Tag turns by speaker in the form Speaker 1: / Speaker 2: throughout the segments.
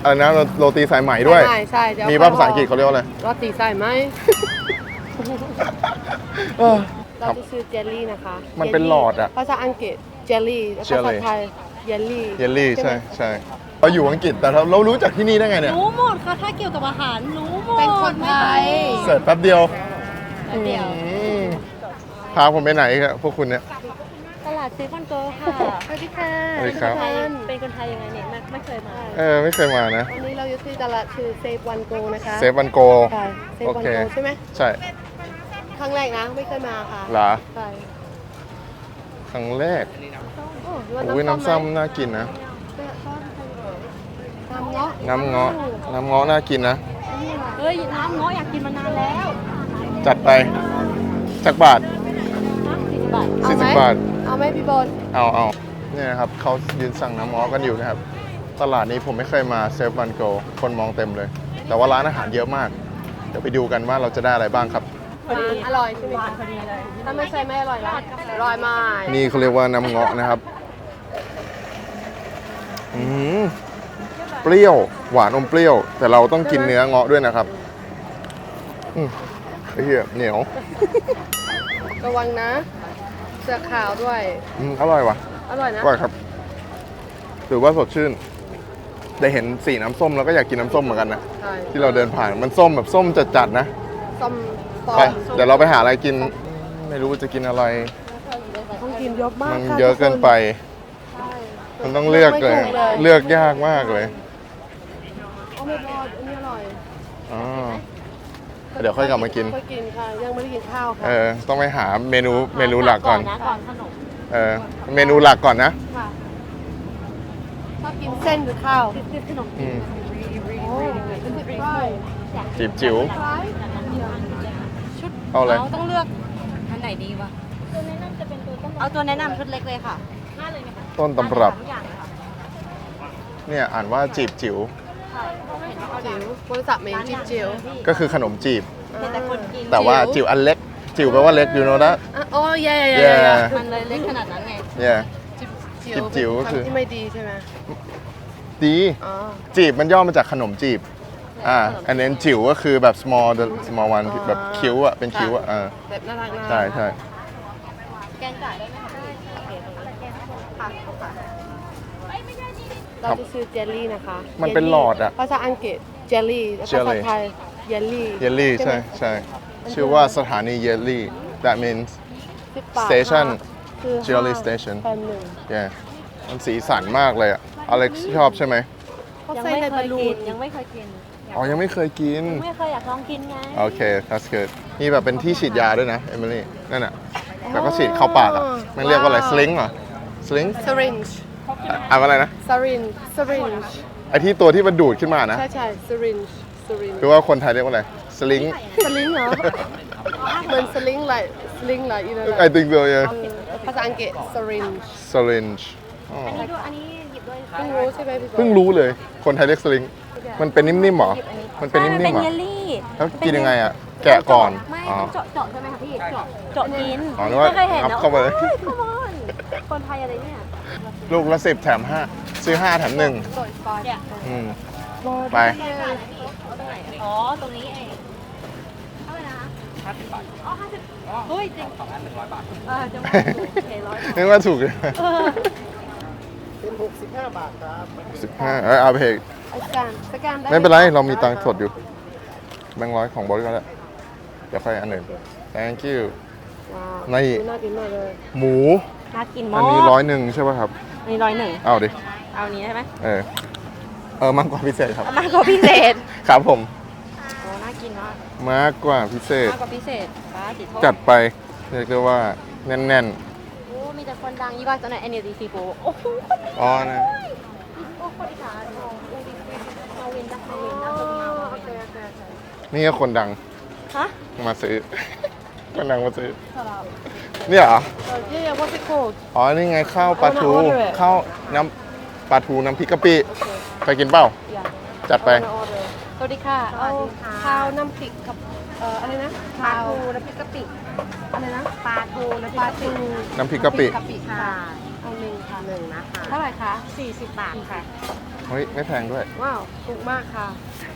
Speaker 1: อะไรนะโรตีสายไหมด้วย
Speaker 2: ใช่
Speaker 1: มีภาษาอังกฤษเขาเรียกว่าอะไร
Speaker 2: โรตีสายไหม เรา
Speaker 1: ครับ
Speaker 2: จะซื้อเจลลี่นะคะ
Speaker 1: มันเป็นหลอดอะ
Speaker 2: ภาษาอังกฤษเจลลี่ภาษาไทยเยลลี่
Speaker 1: เยลลี่ใช่ใช่เราอยู่อังกฤษแต่เรารู้จากที่นี่ได้ไงเนี่ย
Speaker 3: รู้หมดค่ะถ้าเกี่ยวกับอาหารรู้หมด
Speaker 2: เป็นคนไทย
Speaker 1: เสิร์ชแป๊บเดียว
Speaker 3: เดี๋ยว
Speaker 1: พาผมไปไหนครับพวกคุณเนี่ย
Speaker 3: ตลาดซีคอนโกค่ะ
Speaker 2: สวัสดีค่ะ
Speaker 1: สวัสดีครับ
Speaker 3: เป็นคนไทยยังไงเนี่ยไม่เคยมา
Speaker 1: ไม่เคยมานะ
Speaker 2: วันนี้เราอยู่ที่ตลาดชื่อเซฟวันโกนะคะ
Speaker 1: เซฟวันโก
Speaker 2: ใช่เซฟ
Speaker 1: โอ
Speaker 2: วัน
Speaker 1: เค
Speaker 2: โกใช่ไหม
Speaker 1: ใช่
Speaker 2: ครั้งแรกนะไม่เคยมาค่ะ
Speaker 1: เหรอ
Speaker 2: ใช่
Speaker 1: ครั้งแรก
Speaker 2: โอ้
Speaker 1: อุ้ยน้ำซ้ำน่ากินนะ
Speaker 2: น้ำเงาะ
Speaker 1: น้ำเงาะน่ากินนะ
Speaker 3: เฮ้ยน้ำเงาะอยากกินมานานแล้ว
Speaker 1: จัดไปจักบาท
Speaker 3: 40 บาท
Speaker 2: เอาไหม
Speaker 1: 40 บาท
Speaker 2: เอาไหมพี่บอล
Speaker 1: เอาเนี่ยนะครับเขายืนสั่งน้ำเงาะกันอยู่นะครับ ตลาดนี้ผมไม่เคยมาเซฟวันโกคนมองเต็มเลย แต่ว่าร้านอาหารเยอะมาก เดี๋ยวไปดูกันว่าเราจะได้อะไรบ้างครับ
Speaker 2: อร่อยใช่ไหมคะพอดีเลยถ้าไม่ใช่ไม่อร่อยนะอร่อยมาก
Speaker 1: นี่เขาเรียกว่าน้ำเงาะนะครับเปรี้ยวหวานอมเปรี้ยว แต่เราต้องกินเนื้อเงาะด้วยนะครับไอ้เหี้ยเหนียว
Speaker 2: ระวังนะเสือขาวด้วย
Speaker 1: อร่อยว่ะ
Speaker 2: อร่อยนะ
Speaker 1: อร่อยครับถือว่าสดชื่น ได้เห็นสีน้ำส้มแล้วก็อยากกินน้ำส้มเหมือนกันนะ
Speaker 2: ใช่
Speaker 1: ที่เราเดินผ่านมันส้มแบบส้มจัดๆนะ
Speaker 2: ส้มปอ
Speaker 1: ไป
Speaker 2: ม
Speaker 1: เดี๋ยวเราไปหาอะไรกิน ไม่รู้จะกินอะไร
Speaker 2: ต้องกินเยอะมาก
Speaker 1: มัน
Speaker 2: ค่ะ
Speaker 1: เยอะเกินไป
Speaker 2: ใช่
Speaker 1: มันต้องเลือกเลย
Speaker 2: ไม่ถูก
Speaker 1: เลือกยากมากเลย
Speaker 2: โอ้ไม่พออันนี้อร่อย
Speaker 1: อ๋อเดี๋ยวค่อยกลับมากิน
Speaker 2: ค่อยกินค่ะยังไม่ได้กินข้าวค่ะ
Speaker 1: ต้องไปหาเมนูหลักก่อน
Speaker 3: นะก่อนขนม
Speaker 1: เมนูหลักก่อนนะ
Speaker 2: ค่ะชอบกินเส้นหรือข้าว
Speaker 3: ขนม
Speaker 1: อืม
Speaker 2: โอ้เป็นสิบไร่
Speaker 1: จิ๋ว
Speaker 2: ไร่
Speaker 3: ชุด
Speaker 1: เอาอะไร
Speaker 3: ต้องเลือกอันไหนดีวะเอาตัวแนะนำชุดเล็กเลยค่ะ
Speaker 1: ต้นตำรับ
Speaker 3: ทุกอย่างเลยค่ะ
Speaker 1: เนี่ยอ่านว่าจีบจิ๋ว
Speaker 2: จิ๋วบริษัทเมนจิ๋วจิ๋ว
Speaker 1: ก็คือขนมจีบ
Speaker 3: เป็นแต่คนกิน
Speaker 1: แต่ว่าจิ๋วอันเล็ก จิ๋วแปลว่าเล็กอยู่โน้นนะ
Speaker 2: โอ้ย
Speaker 1: Yeah
Speaker 3: มันเลยเล็กขนาดนั้นไง
Speaker 1: เนี่ย
Speaker 2: จิ๋ว
Speaker 1: ก็คือ
Speaker 2: ทำที่ไม่ดีใช่ไหม
Speaker 1: ดี
Speaker 2: อ๋อ
Speaker 1: จีบมันย่อมาจากขนมจีบอันนี้จิ๋วก็คือแบบ small one แบบคิ้วเป็นคิ้ว
Speaker 2: แบบน่ารักนะ
Speaker 1: ใช่ใช่
Speaker 3: แกงไก่ได้ไหมคะพี่โอเคตรงนี้ค่ะค่ะ
Speaker 2: เราจะซื้อเจลลี่นะคะ
Speaker 1: มันเป็นหลอดอะ
Speaker 2: ภาษาอังกฤษเจลลี่ภาษาไทยเยลลี่
Speaker 1: เยลลี่ใช่ใช่ชื่อว่าสถานีเยลลี่ that means
Speaker 2: 10 บาท
Speaker 1: station
Speaker 2: คือ
Speaker 1: Jelly Station
Speaker 2: แพนหนึ่ง
Speaker 1: yeah มันสีสันมากเลยอะอเล็กซ์ชอบใช่ไหม
Speaker 2: เขา
Speaker 3: ยัง
Speaker 2: ใส่
Speaker 3: ไม่
Speaker 2: ใน
Speaker 3: เค
Speaker 2: บอย ลลู
Speaker 3: กิ
Speaker 2: น
Speaker 3: นยังไม่เคยกิน
Speaker 1: อ๋อยังไม่เคยกิน
Speaker 3: ไม่เคยอยากลองกินไง
Speaker 1: โอเค that's good มีแบบเป็นที่ฉีดยาด้วยนะ เอมิลี่ นั่นอะแล้วก็ฉีดเข้าปากอะมันเรียกว่าอะไร สลิงเหรอ สลิง
Speaker 2: syringe
Speaker 1: อ่านว่าอะไรนะ
Speaker 2: syringe
Speaker 1: ไอที่ตัวที่มันดูดขึ้นมานะ
Speaker 2: ใช่ใช่ syringe
Speaker 1: คือว่าคนไทยเรียกว่าอะไร สลิง
Speaker 2: สลิงเหรอเหมือนสลิงไหลอีนั่นแหละ
Speaker 1: I think so yeah
Speaker 2: ภาษาอังกฤษ syringe
Speaker 1: syringe อ๋อ
Speaker 3: อันนี้ดูอันนี้หยิบด้วย
Speaker 2: เพิ่งรู้ใช่ไหมพี่บอล
Speaker 1: เพิ่งรู้เลย คนไทยเรียกสลิง มันเป็นนิ่มๆเหรอ มันเป็นนิ่มๆเหร
Speaker 3: เป็
Speaker 1: อน
Speaker 3: เยลลี่
Speaker 1: แล้วกินยังไงอะแกะก่อน
Speaker 3: ไม่
Speaker 1: อ๋อ
Speaker 3: ต้องเจาะใช่ไหมคะพี่เจาะกิน
Speaker 1: อ๋อนึกว่า
Speaker 3: ไม่เคยเห็น
Speaker 1: งับ
Speaker 3: นะ
Speaker 1: เข้าไปเลย
Speaker 3: โอ้ย come on คนไทยอะไรเนี่ย
Speaker 1: ลูกละ10 แถม 5 ซื้อ 5 แถม 1
Speaker 3: เนี่ย
Speaker 1: อืม ไป
Speaker 3: อ๋อ ตรงนี้เองเท่าไหร่นะคะ50 บาท อ๋อ 50เฮ้ยจริง2 100 บาทจะมาถูกโอเค100
Speaker 1: นึกว่าถูกเลย
Speaker 2: เป็น65 บาทครับ
Speaker 1: 15เอาไปเถอะ
Speaker 2: สแกนได้
Speaker 1: ไม่เป็นไร เรามีตังค์สดอยู่ แบงค์ร้อยของบริษัทแล้วเดี๋ยวค่อยอันหนึ่ง thank you
Speaker 2: ว้าว
Speaker 1: นี่
Speaker 2: น่ากินมากเลย
Speaker 1: หมู
Speaker 3: น่ากินมา
Speaker 1: อั
Speaker 3: ก
Speaker 1: นนี้101ใช่ป่ะครับ
Speaker 3: อันนี้101
Speaker 1: เอาดิ
Speaker 3: เอาอันนี้ใช่ไหม
Speaker 1: มากกว่าพิเศษครับ
Speaker 3: เอามากกว่าพิเศษ
Speaker 1: ครับผม
Speaker 3: โอ้น่ากินมาก
Speaker 1: มากกว่าพิเศษ
Speaker 3: มากกว่าพิเศษป้าจิตโทษ
Speaker 1: จัดไป เรียกได้ว่าแน่น
Speaker 3: โอ้มีแต่คนดังยี่บ้าตอนไหน NLD ซีโฟโอ้โห
Speaker 1: ๆ อ๋อนะ
Speaker 3: โอ้คนอีสานของอูดิมาวินจ้ะมาวินนะคนมา
Speaker 2: โอเค
Speaker 1: นี่ก็คนดัง
Speaker 3: ฮะ
Speaker 1: มาซื้อ คนดังมาซื้อ เนี่ยเหรอ
Speaker 2: yeah what's it called
Speaker 1: อ๋อ นี่ไงข้าวปลาทู
Speaker 2: I wanna order it
Speaker 1: ข้าวน้ำปลาทูน้ำพริกกะปิไปกินเปล่า
Speaker 2: yeah
Speaker 1: จัดไป
Speaker 2: สวัสดีค่ะ เอาข้าวน้ำพริกกับอะไรนะ
Speaker 3: ปลาทูน้ำพริกกะปิ
Speaker 2: อะไรนะ
Speaker 3: ปลาทูน้ำพริ
Speaker 2: ป
Speaker 3: ก
Speaker 2: ลาก
Speaker 3: ะปิ
Speaker 2: ทู
Speaker 1: น้ำพริกกะปิ
Speaker 2: กะปิค่ะ เอาหนึ่งค่ะ
Speaker 3: 1นะคะ
Speaker 2: เท่าไหร่คะ
Speaker 3: 40 บาทค่ะ
Speaker 1: โเฮ้ย ไม่แพงด้วย
Speaker 2: ว้าวถูกมากค่ะ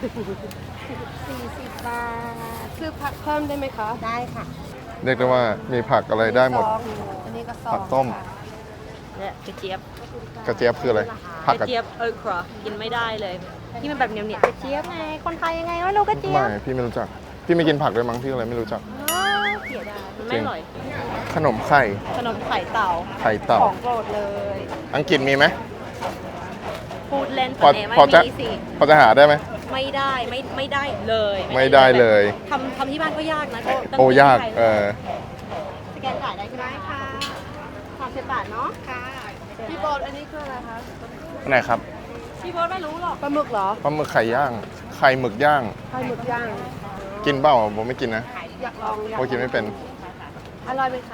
Speaker 3: 40 บาท
Speaker 2: ซื้อผักเพิ่มได้ไหมคะ
Speaker 3: ได้ค่ะ
Speaker 1: เรียกได้ว่ามีผักอะไรได้หมด
Speaker 2: สองอันนี้ก็สอง
Speaker 1: ผักต้ม
Speaker 2: ค่ะ
Speaker 3: เนี่ยกระเจี๊ยบ
Speaker 1: กระเจี๊ยบคืออะไร ผัก
Speaker 3: ก
Speaker 1: กระ
Speaker 3: ระเจี๊ยบครัวกินไม่ได้เลยที่มันแบบเหนียวๆกระเจี๊ยบไงคนไทยยังไงว่ารู้กระเจี๊ย
Speaker 1: ไม่
Speaker 3: บ
Speaker 1: พี่ไม่รู้จัก พี่ไม่กินผักด้วยมั้งพี่อะไรไม่รู้จัก
Speaker 3: เสียดายมันไม่อร่อย
Speaker 1: ขนมไข่
Speaker 3: ขนมไข่เต่า
Speaker 1: ไข่เต่า
Speaker 3: ของโปรดเลย
Speaker 1: อังกฤษมีไหม
Speaker 3: พูดเล่น
Speaker 1: พอ
Speaker 3: แต่ไม่
Speaker 1: พอจะ
Speaker 3: มีสิ
Speaker 1: พอจะหาได้ไหม
Speaker 3: ไม่ได้ไม่ได้เลย
Speaker 1: ไม่ได้เลย
Speaker 3: ทำที่บ้านก็ยากนะก็ต้อง
Speaker 1: โอ้ยาก
Speaker 3: ที่ไท สแกนจ่ายได้ใช่ไหมค่ะ30 บาทเนาะค่ะ
Speaker 2: พี่โบดอันนี้คืออะไรคะ
Speaker 1: อันไหนครับ
Speaker 3: พี่โบ๊ทไม่รู้หรอก
Speaker 2: ปลาหมึกเหรอ
Speaker 1: ปลาหมึกไข่ย่าง ไข่หมึกย่าง
Speaker 2: ไข่หมึกย่าง
Speaker 1: กินเปล่าผมไม่กินนะ
Speaker 2: อยากลองอยาก
Speaker 1: โอ้กินไม่เป็น
Speaker 2: อร่อยไหมคะ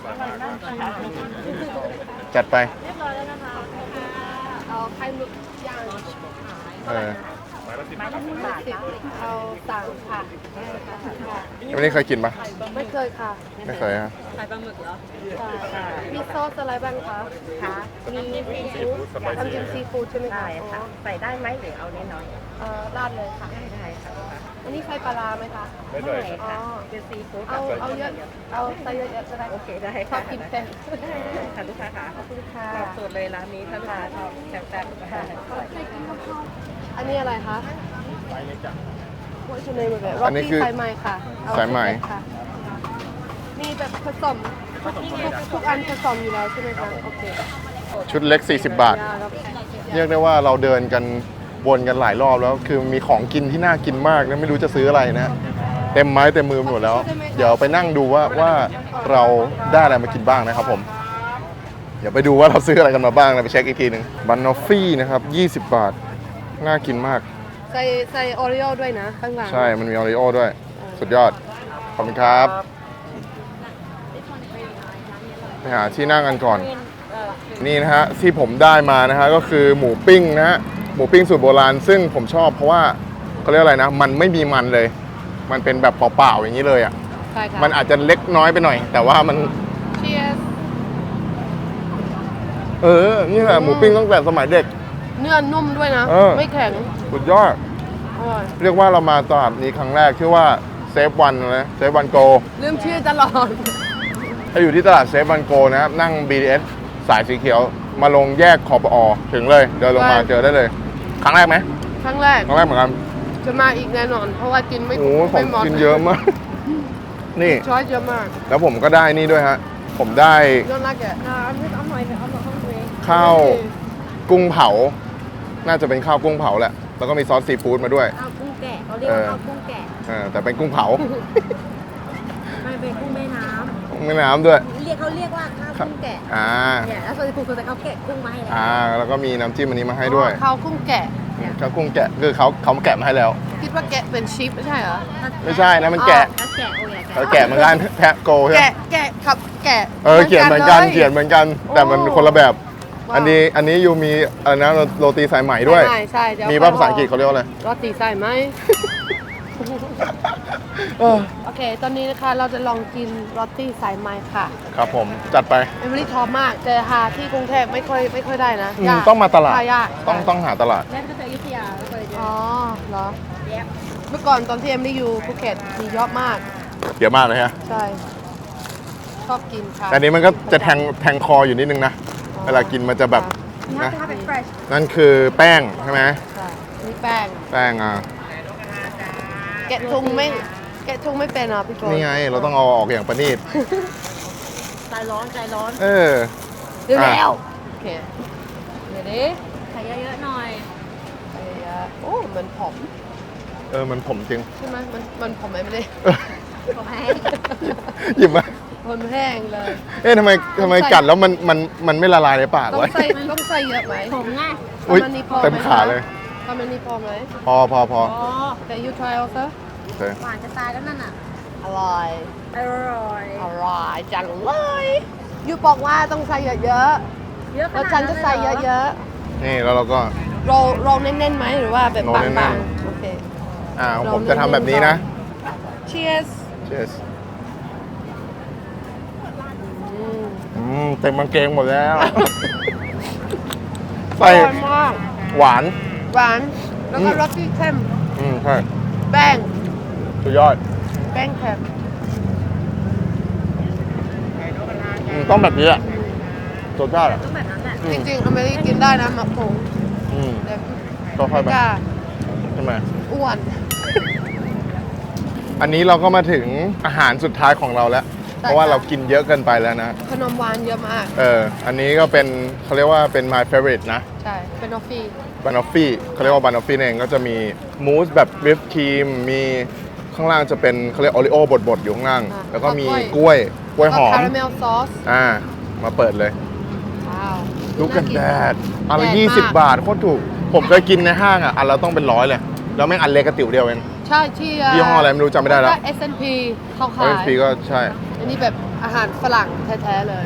Speaker 1: จัดไป
Speaker 3: เรียบร้อยแล้วนะคะ
Speaker 2: เอาไข่หมึกย่าง
Speaker 1: เออ
Speaker 2: เอาสั่งค่ะค่ะ
Speaker 1: วันนี้เคยกินปะ
Speaker 2: ไม่เคยค่ะ
Speaker 1: ไม่เคยฮะ
Speaker 3: ขายปลาหมึกเหรอ
Speaker 2: ค่ะมีซอสอะไรบ้างคะ
Speaker 3: ค่ะ
Speaker 2: มีซีฟู้ดทำจิ้มซีฟู้ดใช่ไหมคะ
Speaker 3: ได้ค่ะ ใส่ได้ไหมหรือเอาน้อย
Speaker 2: ราดเลยค่ะ
Speaker 3: ๆได้ค่ะ
Speaker 2: อันนี้ใส่ปลาร้าไหมคะ
Speaker 3: ไม่ใส่ค่ะ
Speaker 2: อ๋อ
Speaker 3: เป็นซีฟู้ด
Speaker 2: เอาเยอะ เอาใส่เยอะๆก็ได้
Speaker 3: โอเคได้
Speaker 2: ชอบกินเผ็ด
Speaker 3: ค่ะลูกค้าค่ะ
Speaker 2: ขอบคุณค่ะ
Speaker 3: ตอบสูตรเลยร้านนี้ถ้าลูกค้าชอบแซ่บๆค่ะ
Speaker 2: อันนี้อะไรคะว่าชื่อในแบบ
Speaker 1: อันนี้คือ
Speaker 2: สายไหมค่ะเอ
Speaker 1: สายไหม
Speaker 2: ค่ะมีแบบผสมทุกอันผสมอยู่แล้วใช่ไหมคะโอเค
Speaker 1: ชุดเล็ก 40 บาท เรียกได้ว่าเราเดินกันวนกันหลายรอบแล้ว คือมีของกินที่น่ากินมากนะไม่รู้จะซื้ออะไรนะ เต็มไม้เต็มมือหมดแล้ว เดี๋ยวไปนั่งดูว่าเราได้อะไรมากินบ้างนะครับผม เดี๋ยวไปดูว่าเราซื้ออะไรกันมาบ้างนะไปเช็คอีกทีหนึ่งบันนอฟฟี่นะครับ 20 บาท น่ากินมาก
Speaker 2: ใส่โอริโอด้วยนะ ข้างหลัง
Speaker 1: ใช่ มันมีออริโอด้วย สุดยอด ขอบคุณครับ ไปหาที่นั่งกันก่อน นี่นะฮะที่ผมได้มานะฮะก็คือหมูปิ้งนะฮะหมูปิ้งสูตรโบราณ ซึ่งผมชอบเพราะว่าเขาเรียกอะไรนะ มันไม่มีมันเลย มันเป็นแบบเปล่าๆอย่างนี้เลยอ่ะ
Speaker 2: ใช่ค่ะ
Speaker 1: มันอาจจะเล็กน้อยไปหน่อย แต่ว่ามัน
Speaker 2: Cheers
Speaker 1: นี่แหละหมูปิ้งตั้งแต่สมัยเด็ก
Speaker 2: เนื้อนุ่มด้วยนะ
Speaker 1: เออ
Speaker 2: ไม่แข็ง
Speaker 1: สุดยอด
Speaker 2: อร่อย
Speaker 1: เรียกว่าเรามาตลาดนี้ครั้งแรกชื่อว่าเซฟวันนะเซฟวันโก
Speaker 2: ลืมชื่อตลอด
Speaker 1: ถ้าอยู่ที่ตลาดเซฟวันโกนะครับนั่ง BTS สายสีเขียวมาลงแยกคอปอถึงเลยเดินลงมาเจอได้เลย ครั้งแรกไหม
Speaker 2: ครั้งแรก
Speaker 1: ครั้งแรกเหมือนกัน
Speaker 2: จะมาอีกแน่นอน เพราะว่ากินไม่
Speaker 1: โอ้โหขอ
Speaker 2: ไม่
Speaker 1: ง
Speaker 2: หมด
Speaker 1: กินเยอะมาก นี่
Speaker 2: ช้อยเยอะมาก
Speaker 1: แล้วผมก็ได้นี่ด้วยฮะ ผมได้
Speaker 2: ยอดรักแก
Speaker 3: เอาหน่อยเอาหน่อยข้างใน
Speaker 1: ข้าวกุ้งเผา น่าจะเป็นข้าวกุ้งเผาแหละ แล้วก็มีซอสซีฟู้ดมาด้วย
Speaker 3: ข้าวกุ้งแกะเขาเรียกว่าข้าวกุ้งแกะ
Speaker 1: แต่เป็นกุ้งเผา
Speaker 3: ไม่เป็นกุ้งแม่น้
Speaker 1: แม่น้ำด้วย
Speaker 3: ำเขาเรียกว่าข้าวกุ้งแกะ เนี่ยแล้วส่วนที่คุณจะเขาแกะกุ้งมาให้แล้ว
Speaker 1: แล้วก็มีน้ำจิ้มอันนี้มาให้ด้วย
Speaker 2: ข้าวกุ้งแกะ
Speaker 1: ข้าวกุ้งแกะคือเขาแกะมาให้แล้ว
Speaker 2: คิดว่าแกะเป็นชีฟไม่ใช่เหรอ
Speaker 1: ไม่ใช่นะมันแกะ
Speaker 3: แล้วแกะโอ้ย
Speaker 1: เขาแกะเหมือนกันแพะโกใช่ไหม
Speaker 2: แกะกับแกะ
Speaker 1: เขียนเหมือนกัน
Speaker 2: ลย
Speaker 1: เขียนเหมือนกัน แต่มันคนละแบบ
Speaker 2: ว้าว
Speaker 1: อันนี้ยูมีอะไรนะโรตีสายไหมด้วย
Speaker 2: ใช่ใช่เดี๋ยว
Speaker 1: มีภาษาอังกฤษเขาเรียกว่าอะไร
Speaker 2: โรตีใส่ไหม โอเค ตอนนี้นะคะเราจะลองกินโรตีสายไหมค่ะ
Speaker 1: ครับผมจัดไป
Speaker 2: เอมิลี่ชอบมากแต่หาที่กรุงเทพไม่ค่อยได้นะยาก
Speaker 1: ต้องมาตลาด
Speaker 2: หยาก
Speaker 1: ต้องหาตลาด
Speaker 3: แม่ก็จะอยุธยาแล้วก็เลย
Speaker 2: อ๋อเหรอ
Speaker 3: แยบ
Speaker 2: เมื่อก่อนตอนที่เอมิลี่อยู่ภูเก็ตมีเยอะมาก
Speaker 1: เยอะมากเลยฮะ
Speaker 2: ใช่ ชอบกินค่ะ
Speaker 1: แต่อันนี้มันก็จะแทงคออยู่นิดนึงนะ เวลากินมันจะแบบ
Speaker 3: น่า
Speaker 1: นะ
Speaker 3: จะเป็น fresh
Speaker 1: นั่นคือแป้งใช่ไหม
Speaker 2: ใช่นี่แป้ง
Speaker 1: แป้ง
Speaker 2: แกะทุงไม่เป็นอ่ะพี่โจ
Speaker 1: นี่ไงเราต้องเอาออกอย่างประณีต
Speaker 3: ใจร้อนใจร้อน
Speaker 1: เออ
Speaker 2: เร็วแล้วโอเคเดี๋ยวดิ
Speaker 3: ใส่เยอะๆหน่อย
Speaker 2: โอ้มันผอม
Speaker 1: มันผมจริง
Speaker 2: ใช่ไหมมันผอมไหมไม่ได้
Speaker 3: ผมให้
Speaker 1: หยิบมา
Speaker 2: มันแห้งเลย
Speaker 1: ทำไมกัดแล้วมันไม่ละลายในปาก
Speaker 2: ต้อง
Speaker 1: วะ
Speaker 2: ใส่เยอะไหม
Speaker 3: ผมง่าย
Speaker 1: อุ๊ย
Speaker 2: ประมาณนี้พอไห
Speaker 1: เต็มขาเลย
Speaker 2: ประมาณนี้พอไหม
Speaker 1: พอ
Speaker 3: อ๋อ
Speaker 2: แต่ you try also
Speaker 1: โอเค
Speaker 3: หวานจะตายแล้วนั่นน่ะ
Speaker 2: อร่อย
Speaker 3: อร่อย
Speaker 2: อร่อยจังเลยยูบอกว่าต้องใส่เยอะ
Speaker 3: เยอะ
Speaker 2: ๆ
Speaker 3: ข
Speaker 2: แล้ว
Speaker 3: นาด
Speaker 2: ฉัน
Speaker 3: นั้น
Speaker 2: จะ
Speaker 3: เลย
Speaker 2: ใส่
Speaker 3: เหรอ
Speaker 2: เยอะ
Speaker 1: นี่แล้วเราก็
Speaker 2: ๆโรลแน่นๆไหมหรือว่าแบบ
Speaker 1: โรล
Speaker 2: บา
Speaker 1: แน่
Speaker 2: ง
Speaker 1: น
Speaker 2: ๆ โอเค
Speaker 1: ผมจะทำแบบนี้นะ
Speaker 2: cheers
Speaker 1: Cheers
Speaker 2: อืม
Speaker 1: เต็มกางเกงหมดแล้ว
Speaker 2: อ
Speaker 1: ใส่
Speaker 2: ร่อยมาก
Speaker 1: หวาน
Speaker 2: อหวาน แล้วก็รสที่เข้ม
Speaker 1: ใช่
Speaker 2: แป้ง
Speaker 1: สุดยอด
Speaker 2: แป้งเค็ม
Speaker 1: ต้องแบบนี้อ่ะรสชาติอ่ะ
Speaker 3: ต้องแบบนั้นแหละ
Speaker 2: จริงๆอเมริกกินได้นะหมักผง แต่
Speaker 1: ก็ค่อยแบบ
Speaker 2: กล้า
Speaker 1: ใช่ไหม
Speaker 2: อ้วน
Speaker 1: อันนี้เราก็มาถึงอาหารสุดท้ายของเราแล้ว เพราะว่าเรากินเยอะเกินไปแล้วนะ
Speaker 2: ขนมหวานเยอะมาก
Speaker 1: อันนี้ก็เป็นเขาเรียกว่าเป็น my favorite นะ
Speaker 2: ใช่ เป็นออฟฟี่
Speaker 1: บานอฟฟี่เขาเรียกว่าบานอฟฟี่เองก็จะมีมูสแบบวิปครีม มีข้างล่างจะเป็นเขาเรียกโอริโอบดๆอยู่ข้างล่าง แล้วก็มีกล้วยหอม
Speaker 2: คาราเมลซอส
Speaker 1: มาเปิดเลย
Speaker 2: ว้าว
Speaker 1: ลูกกันแดดอันละ
Speaker 2: แดดมาก
Speaker 1: 20 บาทโคตรถูก ผมเคยกินในห้างอ่ะ อันละต้องเป็น100เลย แล้วแม่งอันเล็กกระติ๋วเดียวเอง
Speaker 2: ใช่ที่
Speaker 1: ยี่ห้ออะไรไม่รู้จำไม่ได้แล้ว
Speaker 2: S&P เขาขาย
Speaker 1: FP ก็ใช่
Speaker 2: อันนี้แบบอาหารฝรั่งแท้ๆเลย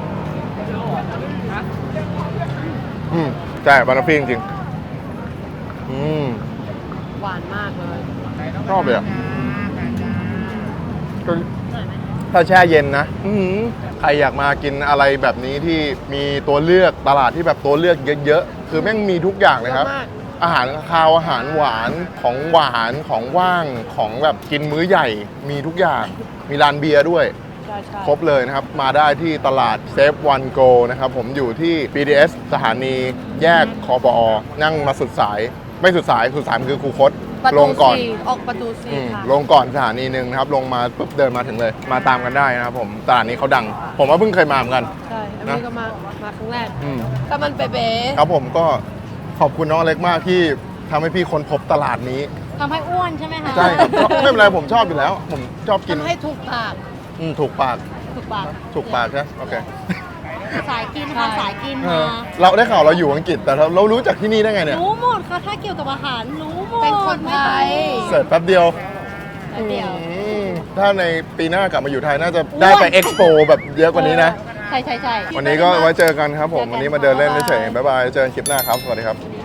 Speaker 1: ใช่บานอฟฟี่จริงๆ
Speaker 2: หวานมากเลย
Speaker 1: ชอบเลยอ่ะก็ถ้าแช่เย็นนะใครอยากมากินอะไรแบบนี้ที่มีตัวเลือกตลาดที่แบบตัวเลือกเยอะๆ คือแม่งมีทุกอย่างเลยครับ
Speaker 2: เยอะมาก
Speaker 1: อาหารคาวอาหารหวานของหวานของว่างของแบบกินมื้อใหญ่มีทุกอย่าง มีร้านเบียร์ด้วย
Speaker 2: ใช่
Speaker 1: ครบเลยนะครับ มาได้ที่ตลาดเซฟวันโกนะครับ ผมอยู่ที่ BTS สถานีแยกคอปอ นั่งมาสุดสาย ไม่สุดสายมันคือคูคต
Speaker 2: ประ
Speaker 1: ล
Speaker 2: ตู
Speaker 1: งก่อน
Speaker 2: สี่ออกประตูสี่ค่ะ
Speaker 1: ลงก่อนสถานีหนึ่งนะครับ ลงมาปุ๊บเดินมาถึงเลย มาตามกันได้นะครับผมตลาดนี้เขาดัง ผมว่าเพิ่งเคยมาเหมือนกัน
Speaker 2: ใช่ อันนี้ก็มาครั้งแรก
Speaker 1: อืม
Speaker 2: แต่มันเป๊ะ
Speaker 1: ครับผมก็ขอบคุณน้องเล็กมากที่ทำให้พี่ค้นพบตลาดนี้
Speaker 3: ทำให้อ้วนใช่ไหมคะ
Speaker 1: ใช่ครับไม่เป็นไรผมชอบอยู่แล้ว ผมชอบกิน
Speaker 2: ทำให้ถูกปาก
Speaker 1: ถูกปาก
Speaker 3: ถูกปาก
Speaker 1: ถูกปากใช่ไหมโอเค
Speaker 3: สายกินค่ะสายกินมา
Speaker 1: เราได้ข่าวเราอยู่อังกฤษแต่เรารู้จักที่นี่ได้ไงเนี่ย
Speaker 3: รู้หมดค่ะถ้าเกี่ยวกับอาหารรู้หมด
Speaker 2: เป็นคนไทย
Speaker 1: เสิร์ชแป๊บเดียว
Speaker 3: เดียว
Speaker 1: ถ้าในปีหน้ากลับมาอยู่ไทยน่าจะได้ไปเอ็กซ์โปแบบเยอะกว่านี้นะ
Speaker 3: ใช่
Speaker 1: วันนี้ก็ไว้เจอกันครับผม วันนี้มาเดินเล่นเฉยๆบ๊ายบาย เจอกันคลิปหน้าครับ สวัสดีครับ